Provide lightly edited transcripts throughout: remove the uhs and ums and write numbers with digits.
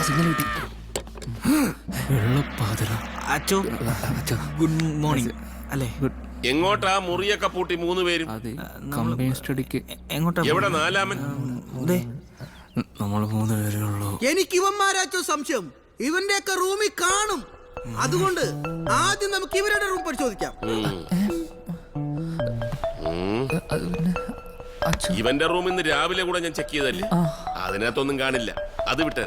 Signal കിട്ടി. അച്ചോ good morning അല്ലേ? എങ്ങോട്ടാ മുറിയൊക്കെ പൂട്ടി 3 പേരും? അതെ, കമ്പനി സ്റ്റഡിക്ക്. എങ്ങോട്ടാ? എവിടെ നാലാമൻ? നമ്മൾ 3 പേരേ ഉള്ളൂ. എനിക്ക് ഇവന്മാരാച്ചോ സംശയം. ഇവന്റെയൊക്കെ റൂമിൽ കാണും. അതുകൊണ്ട് ആദ്യം നമുക്ക് ഇവരുടെ റൂം പരിശോധിക്കാം. ഇവന്റെ റൂം ഇന്ന് രാവിലെ കൂടെ ഞാൻ ചെക്ക് ചെയ്തല്ലേ, അതിനകത്തൊന്നും കാണില്ല. അത് വിട്ടേ.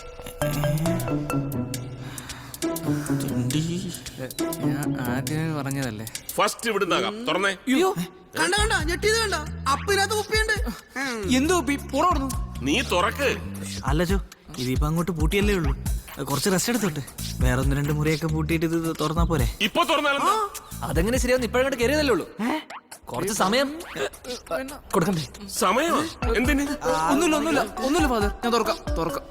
ഞാൻ ആദ്യമേ പറഞ്ഞതല്ലേ. ഫസ്റ്റ് ഇവിടുന്നാകാം. തുറന്നേ. കണ്ട കണ്ട ഞെട്ടിയത് കണ്ട. അപ്പിനകത്ത് കുപ്പിയുണ്ട്. എന്തോ പുറന്നു. നീ തുറക്ക്. അല്ലച്ചോ, ഇതിപ്പോ അങ്ങോട്ട് പൂട്ടിയല്ലേ ഉള്ളൂ. കുറച്ച് റെസ്റ്റ് എടുത്തോട്ടെ. വേറെ 1-2 മുറിയൊക്കെ പൂട്ടിയിട്ട് ഇത് തുറന്നാ പോരെ? ഇപ്പൊ തുറന്നാലും അതെങ്ങനെ ശരിയാവും? ഇപ്പോഴങ്ങോട്ട് കയറിയതല്ലേ ഉള്ളൂ. കുറച്ച് സമയം കൊടുക്കണ്ടേ? സമയമാ എന്തിന്? ഒന്നുമില്ല ഫാദർ, ഞാൻ തുറക്കാം.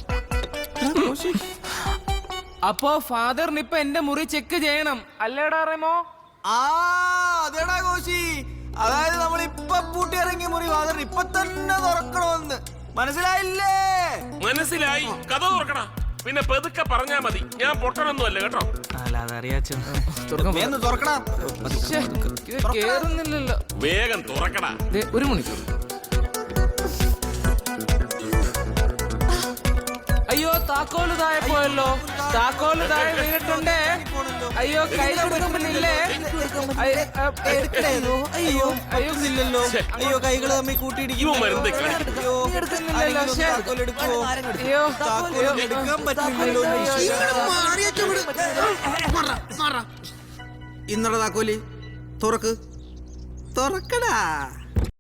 അപ്പോ ഫാദറിന് ഇപ്പൊ എന്റെ മുറി ചെക്ക് ചെയ്യണം അല്ലേടാ റെമോ? അതേടാ കോശി. അതായത് നമ്മൾ ഇപ്പൊ പൂട്ടി ഇറങ്ങിയ മുറി വാതിൽ ഇപ്പൊ തന്നെ തുറക്കണമെന്ന് മനസ്സിലായില്ലേ? മനസ്സിലായി. കഥ തുറക്കണ. പിന്നെ പെതുക്കെ പറഞ്ഞാ മതി. ഞാൻ പൊട്ടണൊന്നും അല്ല കേട്ടോ. അല്ല അതറിയാച്ചോ. തുറക്കണം. ഇത് കേറുന്നില്ലല്ലോ. വേഗം തുറക്കടാ. 1 മണിക്കൂർ. അയ്യോ താക്കോല് താഴെ പോയല്ലോ. താക്കോല് താഴെ വീണിട്ടുണ്ടേ. അയ്യോ കൈ കൊടുക്കുന്നില്ലേ? അയ്യോ ഇല്ലല്ലോ. അയ്യോ കൈകള് തമ്മിൽ കൂട്ടിയിടിക്കും. ഇവൻ മരുന്ന് കാണിക്കും. എടുക്കാൻ പറ്റില്ലല്ലോ. ഇന്നടെ താക്കോലി തുറക്കടാ.